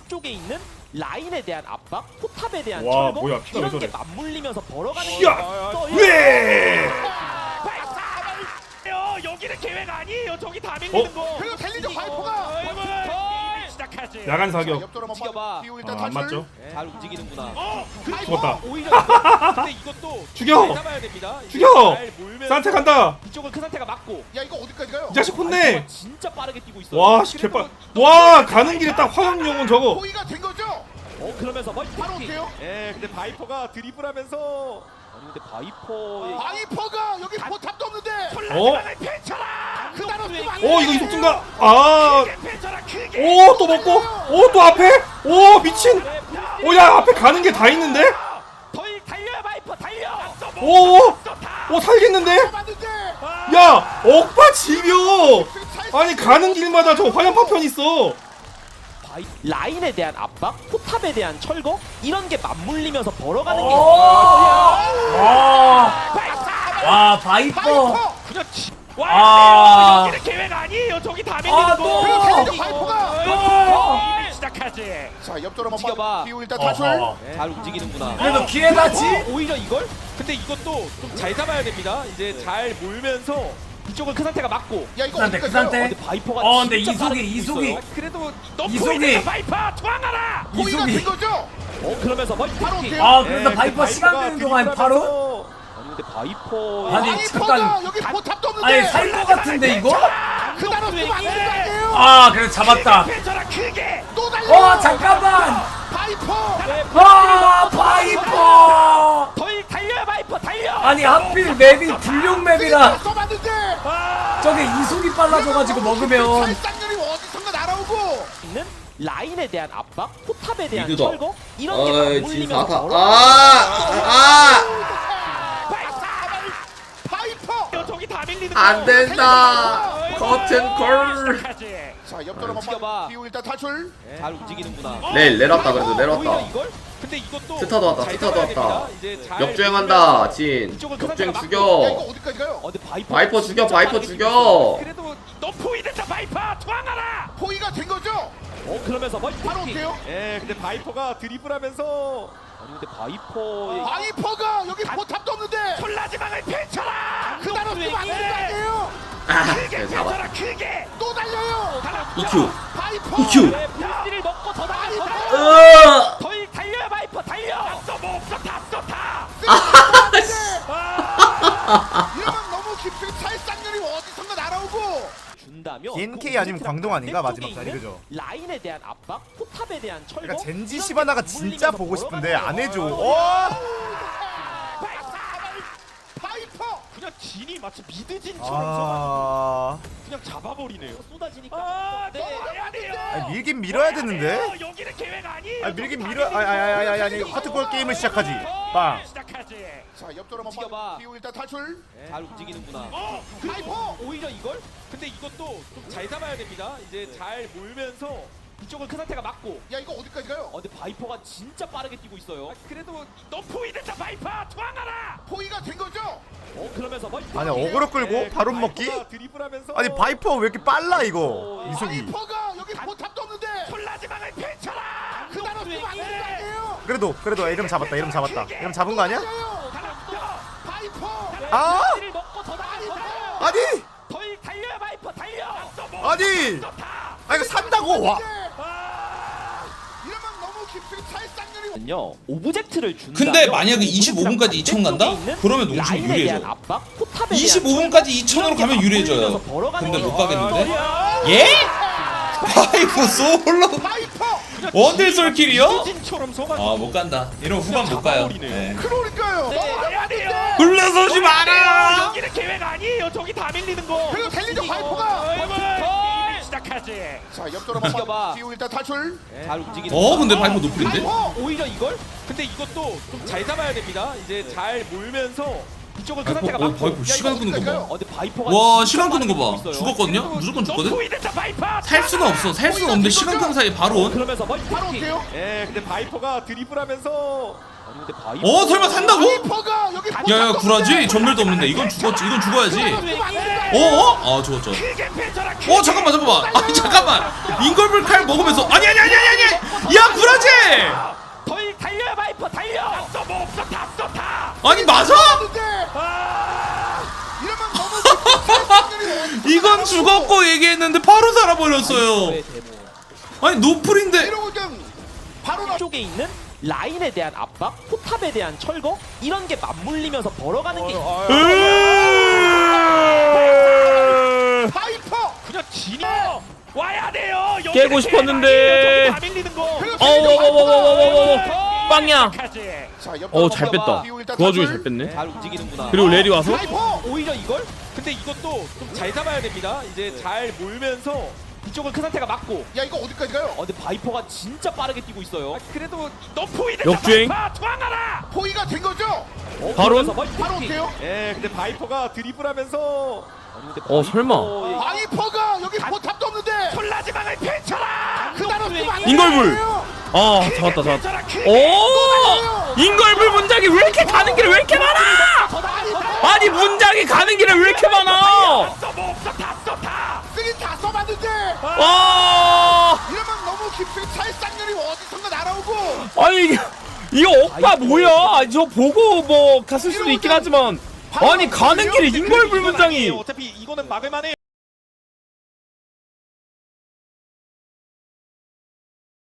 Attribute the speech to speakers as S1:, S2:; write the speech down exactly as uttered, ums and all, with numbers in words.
S1: 아래쪽에 있는 라인에 대한 압박, 포탑에 대한
S2: 와,
S1: 철거
S2: 뭐야, 피가 왜
S1: 이런 게
S2: 저래.
S1: 맞물리면서 벌어가는
S2: 야!
S1: 또
S2: 왜?
S1: 여기는 계획 아니에요. 저기 다
S2: 어?
S1: 밀리는 거.
S3: 그리고 텔리저 바이퍼가
S1: 시작하지.
S2: 야간 사격.
S3: 옆돌아
S1: 지켜봐.
S3: 비우
S2: 아,
S3: 일단
S2: 안 맞죠?
S1: 잘 움직이는구나.
S3: 어,
S2: 죽었다.
S1: 오히려 이거, 근데 이것도
S2: 죽여!
S1: 잘 잡아야 됩니다. 이게
S2: 죽여!
S1: 잘 몰면서
S2: 산책 간다.
S1: 이쪽은 큰 상태가 맞고.
S3: 야 이거 어디까지 가요?
S2: 이 자식 혼내.
S1: 진짜 빠르게 뛰고 있어요.
S2: 와, 씨, 개빨. 와, 가는 길에 딱 화염용은 저거.
S3: 포위가 된 거죠?
S1: 어 그러면서 멀티.
S3: 바로 올게요.
S1: 예, 근데 바이퍼가 드리블하면서 아니 근데 바이퍼의
S3: 바이퍼가 여기 포탑도 없는데
S2: 어?
S3: 펼쳐라! 그날 없으면 안
S2: 어,
S3: 돼!
S2: 이거 이속증가. 아.
S3: 펼쳐라 크게!
S2: 오, 또 먹고. 오, 또 앞에. 오, 미친. 오, 야, 앞에 가는 게 다 있는데?
S1: 더 달려 바이퍼 달려.
S2: 오, 오, 오, 살겠는데?
S3: 맞는데!
S2: 야, 억바 지벼. 아니, 가는 길마다 저 화염 파편 있어.
S1: 바이 라인에 대한 압박, 포탑에 대한 철거 이런 게 맞물리면서 벌어가는 게.
S4: 와, 와 바이퍼.
S3: 바이퍼!
S1: 그냥 지...
S4: 아.
S1: 와, 여기는 계획 아니에요. 저기 다 밀리는
S4: 아,
S1: 거.
S4: 또!
S3: 그리고 텔리저 바이퍼가!
S1: 또! 시작하지.
S3: 자 옆돌아
S1: 지켜봐.
S3: 비우 일단
S4: 어허.
S3: 탈출!
S1: 잘 움직이는구나.
S4: 그래도 기회다지.
S1: 어, 오히려 이걸? 근데 이것도 좀 잘 잡아야 됩니다. 이제 잘 몰면서 이쪽은 큰 상태가 맞고.
S3: 야 이거
S4: 그 상태,
S3: 어디까지
S4: 그
S3: 가요?
S4: 상태.
S1: 근데 바이퍼가
S4: 어, 근데
S1: 진짜
S4: 이속이,
S1: 빠르게 뛰고
S4: 이속이.
S1: 있어요. 그래도 너
S4: 이속이.
S1: 포인트 바이퍼 도망가라.
S3: 포위가
S4: 이속이.
S3: 된 거죠?
S1: 어 그러면서 멀티.
S3: 바로 올게요.
S4: 아 그래서 바이퍼 시간 되는 동안 바로.
S1: 아니 근데 바이퍼
S4: 아니,
S3: 바이퍼가
S4: 잠깐.
S3: 여기 포탑도 없는데!
S4: 아니 살 것 같은데 이거?
S3: 그날 없으면 안 되는 거 아니에요?
S4: 아 그래서 잡았다.
S1: 펜처라 크게.
S3: 또 달려!
S4: 어 잠깐만.
S3: 바이퍼!
S4: 아 바이퍼.
S1: 더 달려 바이퍼 달려.
S4: 아니 하필 맵이 불용 맵이라
S3: 또 맞는데!
S4: 저게 이속이 빨라져가지고 먹으면.
S3: 살상률이 어디선가 날아오고!
S1: 있는 라인에 대한 압박, 포탑에 대한
S5: 미드다.
S1: 철거 이런 게
S5: 어이,
S1: 맞물리면서
S5: 진사타.
S1: 벌어가는
S5: 아!
S3: 바이퍼!
S1: 저기 다 밀리는
S5: 안 된다. 커튼 콜.
S3: 자 옆돌아
S1: 지켜봐.
S3: 비우 일단 탈출!
S1: 잘 움직이는구나.
S5: 내일 내렸다 그래도
S1: 오히려
S5: 내렸다.
S1: 이걸? 근데 이것도
S5: 스타도 왔다.
S1: 잘
S5: 스타도
S1: 잡아야
S5: 왔다.
S1: 됩니다. 이제 잘
S5: 역주행한다. 진.
S1: 이쪽은 큰
S5: 역주행
S1: 상태가
S3: 야 이거
S5: 죽여.
S3: 어디까지 가요?
S1: 어, 근데 바이퍼
S5: 바이퍼 죽여.
S1: 진짜
S5: 바이퍼
S1: 빠르게
S5: 죽여.
S1: 뛰고 있어요. 그래도 너 포위된다 바이퍼 도망가라.
S3: 포위가 된 거죠?
S1: 어 그러면서 멀티.
S3: 바로 올게요.
S1: 예, 근데 바이퍼가 드리블하면서 아니 근데 바이퍼의
S3: 바이퍼가 여기 포탑도 없는데!
S1: 콜라지망을 펼쳐라.
S3: 그날 없으면 안 되는 거 아니에요?
S5: 아,
S1: 크게
S5: 그래 잡아.
S1: 펼쳐라 크게.
S3: 또 달려요!
S5: 이큐.
S3: 바이퍼!
S5: 이큐.
S1: 를 먹고 더 달려.
S5: 으아!
S1: 더 달려 바이퍼 달려. 뭐 없어 다써 다.
S3: 이러면 너무 깊은 살상률이 어디선가 날아오고!
S1: 준다며.
S6: 디엔케이 아니면 광동 아닌가? 마지막 자리, 그죠?
S1: 라인에 대한 압박, 포탑에 대한 철거.
S6: 그러니까 젠지
S1: 이런 게
S6: 시바나가 진짜
S1: 맞물리면서
S6: 보고 싶은데
S1: 벌어가는
S6: 안 해줘.
S1: 거예요.
S6: 어!
S3: 바이퍼!
S1: 그냥 진이 마치 미드진처럼
S6: 아,
S1: 그냥 잡아버리네요. 쏟아지니까. 아, 네. 아니에요.
S6: 아니, 밀긴 밀어야 되는데.
S1: 여기는 계획 아니에요.
S6: 아니 밀긴 밀어. 아니 아니 아니 아니 하트볼 게임을 시작하지. 빵.
S1: 시작하지.
S3: 자 옆돌아
S1: 지켜봐.
S3: 비우 일단 탈출!
S1: 잘 움직이는구나.
S3: 어!
S1: 그리고
S3: 바이퍼!
S1: 오히려 이걸? 근데 이것도 좀 잘 잡아야 됩니다. 이제 잘 몰면서 이쪽은 큰 상태가 맞고.
S3: 야 이거 어디까지 가요?
S1: 어, 근데 바이퍼가 진짜 빠르게 뛰고 있어요. 그래도 너 포위된다 바이퍼 도망가라.
S3: 포위가 된 거죠?
S1: 어 그러면서 멀티.
S6: 아니 어그로 끌고 바로 먹기?
S1: 드리블하면서
S6: 아니 바이퍼 왜 이렇게 빨라 이거 이속이.
S3: 바이퍼가 여기 포탑도 없는데!
S1: 콜라지망을 펼쳐라.
S3: 그날 없으면 안 되는 거 아니에요?
S6: 그래도 그래도 이름 잡았다. 이름 잡았다. 이름 잡은 거 아니야?
S3: 바이퍼!
S6: 아!
S1: 를 먹고 더 달려.
S6: 아니
S1: 더 달려 바이퍼 달려.
S6: 아니 아 이거 산다고 와.
S3: 이러면 너무 깊은 살상률이
S1: 요 오브젝트를 준다.
S7: 근데 만약에 이십오 분까지 이천 간다? 그러면 농심 유리해져. 이십오 분까지 이천으로 가면 유리해져요. 근데 못 가겠는데? 예? 파이브 솔로
S3: 바이퍼!
S7: 원딜 솔킬이요?
S1: 진처럼 속아.
S7: 아 못 간다. 이러면 후반 못 가요. 네.
S3: 그러니까요! 넘어가야
S7: 굴러서지 마라.
S1: 여기는 계획 아니에요. 저기 다 밀리는 거.
S3: 그리고 텔리저 바이퍼가!
S1: 시작하지.
S3: 자 옆돌아
S1: 지켜봐.
S3: 비우 일단 탈출!
S1: 잘 움직이는.
S7: 어 근데 파이브 노플인데?
S3: 바이퍼!
S1: 오히려 이걸? 근데 이것도 좀 잘 잡아야 됩니다. 이제 잘 몰면서 이쪽은 큰
S7: 바이퍼,
S1: 상태가
S7: 어,
S1: 맞고.
S7: 바이퍼 시간 끄는 거 봐.
S1: 어, 근데 바이퍼가
S7: 와
S1: 진짜
S7: 시간 끄는
S1: 빠르게
S7: 거 봐.
S1: 뛰고 있어요.
S7: 죽었거든요?
S1: 그래도
S7: 무조건
S1: 너
S7: 죽거든?
S1: 포위된다, 바이퍼!
S7: 살 수는 없어. 살 수는 없는데 시간 끄는 사이에 바로.
S1: 그러면서 멀티.
S3: 바로 올게요.
S1: 예, 근데 바이퍼가 드리블하면서. 아니 근데 바이퍼.
S7: 어 설마 산다고?
S3: 바이퍼가 여기 포탑도
S7: 야야
S3: 없는데!
S7: 구라지? 전멸도 없는데 이건 죽었지. 이건 죽어야지.
S3: 그날 없으면 안 되는 거
S7: 어?
S3: 아니에요?
S7: 어? 아 죽었죠. 어 잠깐만 잠깐만. 아 잠깐만. 인걸블 칼 먹으면서 아니 아니 아니 아니 아니. 야 아니 맞아?
S3: 이러면 너무 깊은 찰싹거리는 어디선가
S7: 이건
S3: 날아오고.
S7: 죽었고 얘기했는데 바로 살아버렸어요. 아니 노플인데.
S3: 이러고 그냥 바로 나.
S8: 쪽에 있는 라인에 대한 압박, 포탑에 대한 철거 이런 게 맞물리면서 벌어가는 게
S3: 파이퍼.
S1: 그냥 진이 와야 돼요. 여기
S9: 깨고 싶었는데.
S1: 다 밀리는 거.
S9: 어워워워워워워워 빵야.
S3: 자, 옆으로
S9: 어 잘 뺐다.
S3: 비우 일단
S9: 그 와중에
S3: 탈출.
S9: 잘 뺐네.
S1: 잘 움직이는구나.
S9: 그리고 레리 와서
S3: 파이퍼.
S1: 오히려 이걸? 근데 이것도 좀 잘 잡아야 됩니다. 이제 잘 몰면서 이쪽을 큰 상태가 막고.
S3: 야 이거 어디까지 가요?
S8: 어, 근데 바이퍼가 진짜 빠르게 뛰고 있어요.
S1: 아, 그래도 너 포위됐다.
S9: 역주행.
S1: 투항하라.
S3: 포위가 된 거죠?
S9: 바론?
S3: 바로 올게요.
S1: 예, 근데 바이퍼가 드리블하면서
S9: 어 설마
S3: 바이퍼가 여기 포탑도 없는데.
S1: 콜라지방을 펼쳐라.
S3: 그날 없으면 안
S9: 인걸불!
S3: 돼요.
S9: 아 잡았다 잡았다. 오 인걸불 문장이 왜 이렇게 가는 길에 왜 이렇게 많아? 아니 문장이 가는 길에 왜 이렇게 많아?
S1: 써뭐 없어 다 써 다.
S3: 쓰긴 다 써봤는데.
S9: 와
S3: 이러면 너무 깊은 찰싹년이 어디선가 날아오고.
S9: 아니 이게 이거 오빠 뭐야? 저 보고 뭐 갔을 수도 있긴 하지만 아니 가는 길에 인걸불 문장이
S1: 어차피 이거는 막을만해.